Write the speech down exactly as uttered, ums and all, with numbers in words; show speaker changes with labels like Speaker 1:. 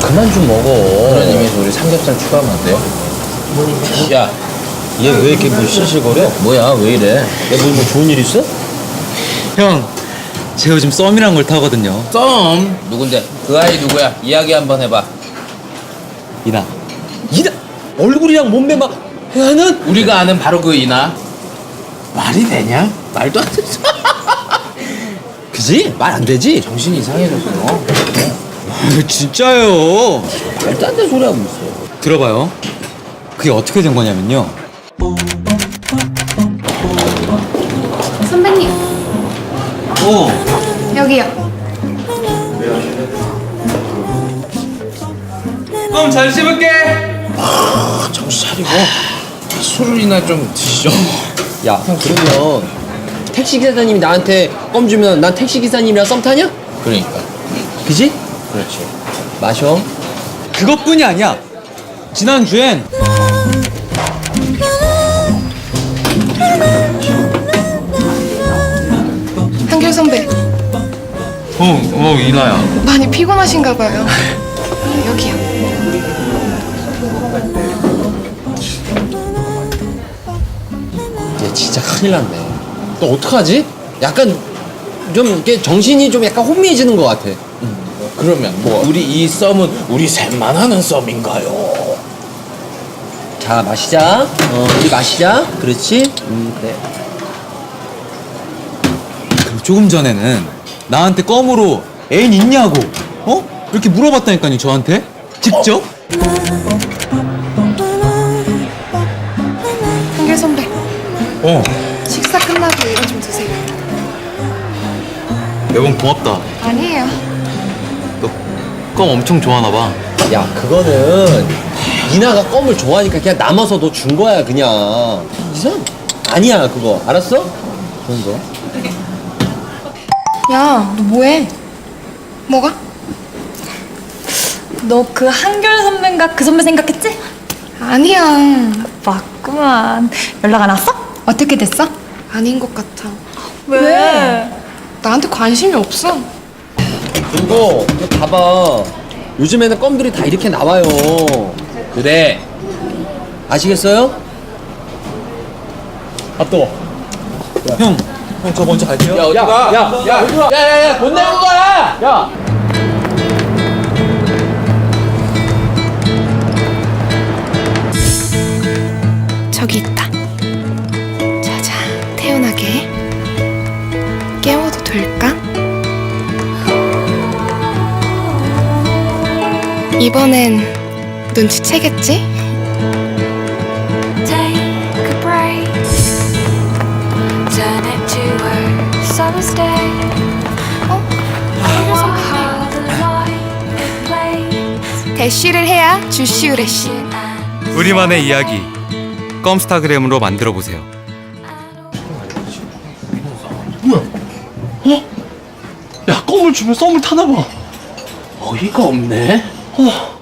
Speaker 1: 그만 좀 먹어. 그런 의미에서 우리 삼겹살 추가하면 안 돼요? 야, 얘 왜 이렇게 뭐 실실거려? 뭐야, 왜 이래? 야, 뭐, 뭐 좋은 일 있어?
Speaker 2: 형, 제가 요즘 썸이란 걸 타거든요.
Speaker 1: 썸? 누군데? 그 아이 누구야? 이야기 한번 해봐.
Speaker 2: 이나.
Speaker 1: 이나? 얼굴이랑 몸매 막 하는? 우리가 아는 바로 그 이나. 말이 되냐? 말도 안 되지. 그지? 말 안 되지? 정신이 이상해졌어.
Speaker 2: 아, 진짜요.
Speaker 1: 말도 안 되는 소리 하고 있어.
Speaker 2: 들어봐요. 그게 어떻게 된 거냐면요.
Speaker 3: 선배님,
Speaker 2: 어.
Speaker 3: 여기요.
Speaker 2: 그럼 잘 씹을게.
Speaker 1: 정신 차리고 술이나 좀 드시죠.
Speaker 4: 야, 형 그러면 택시 기사님이 나한테 껌 주면 난 택시 기사님이랑 썸 타냐?
Speaker 1: 그러니까.
Speaker 4: 그지?
Speaker 1: 그렇지.
Speaker 4: 마셔.
Speaker 2: 그것뿐이 아니야. 지난주엔
Speaker 3: 한결 선배,
Speaker 2: 어, 어, 이나야.
Speaker 3: 많이 피곤하신가 봐요. 여기요.
Speaker 4: 얘 진짜 큰일 났네. 너 어떡하지? 약간 좀 이렇게 정신이 좀 약간 혼미해지는 것 같아.
Speaker 1: 그러면 뭐 우리 이 썸은 우리 셋만 하는 썸인가요?
Speaker 4: 자, 마시자. 어, 우리 마시자. 그렇지? 음, 그래.
Speaker 2: 그리고 조금 전에는 나한테 껌으로 애인 있냐고, 어? 이렇게 물어봤다니까요, 저한테. 직접?
Speaker 3: 한결 선배,
Speaker 2: 어.
Speaker 3: 식사 끝나고 이거 좀 드세요.
Speaker 2: 매번 고맙다.
Speaker 3: 아니에요.
Speaker 2: 너 껌 엄청 좋아하나 봐.
Speaker 4: 야, 그거는 이나가 껌을 좋아하니까 그냥 남아서 너 준 거야, 그냥. 이상? 아니야, 그거. 알았어? 그런 거.
Speaker 3: 야, 너 뭐해? 뭐가?
Speaker 5: 너 그 한결 선배인가 그 선배 생각했지?
Speaker 3: 아니야.
Speaker 5: 맞구만. 연락 안 왔어?
Speaker 3: 어떻게 됐어? 아닌 것 같아.
Speaker 5: 왜?
Speaker 3: 나한테 관심이 없어.
Speaker 4: 그리고 이거 봐봐. 요즘에는 껌들이 다 이렇게 나와요.
Speaker 1: 그래.
Speaker 4: 아시겠어요?
Speaker 2: 아, 또. 형, 형 저 먼저 갈게요.
Speaker 1: 야, 어디 가? 야, 야, 야, 야, 야, 돈 내는 거야! 야!
Speaker 3: 저기 있다. 자자, 태연하게. 깨워도 될까? 이번엔 눈치채겠지?
Speaker 6: Take a break, turn it to a summer stay.
Speaker 3: 어?
Speaker 6: How the light it plays.
Speaker 3: 대쉬를 해야 주시우레쉬.
Speaker 2: 우리만의 이야기. 껌스타그램으로 만들어 보세요.
Speaker 1: 야, 껌을 주면 썸을 타나 봐. 어이가 없네.
Speaker 2: 어,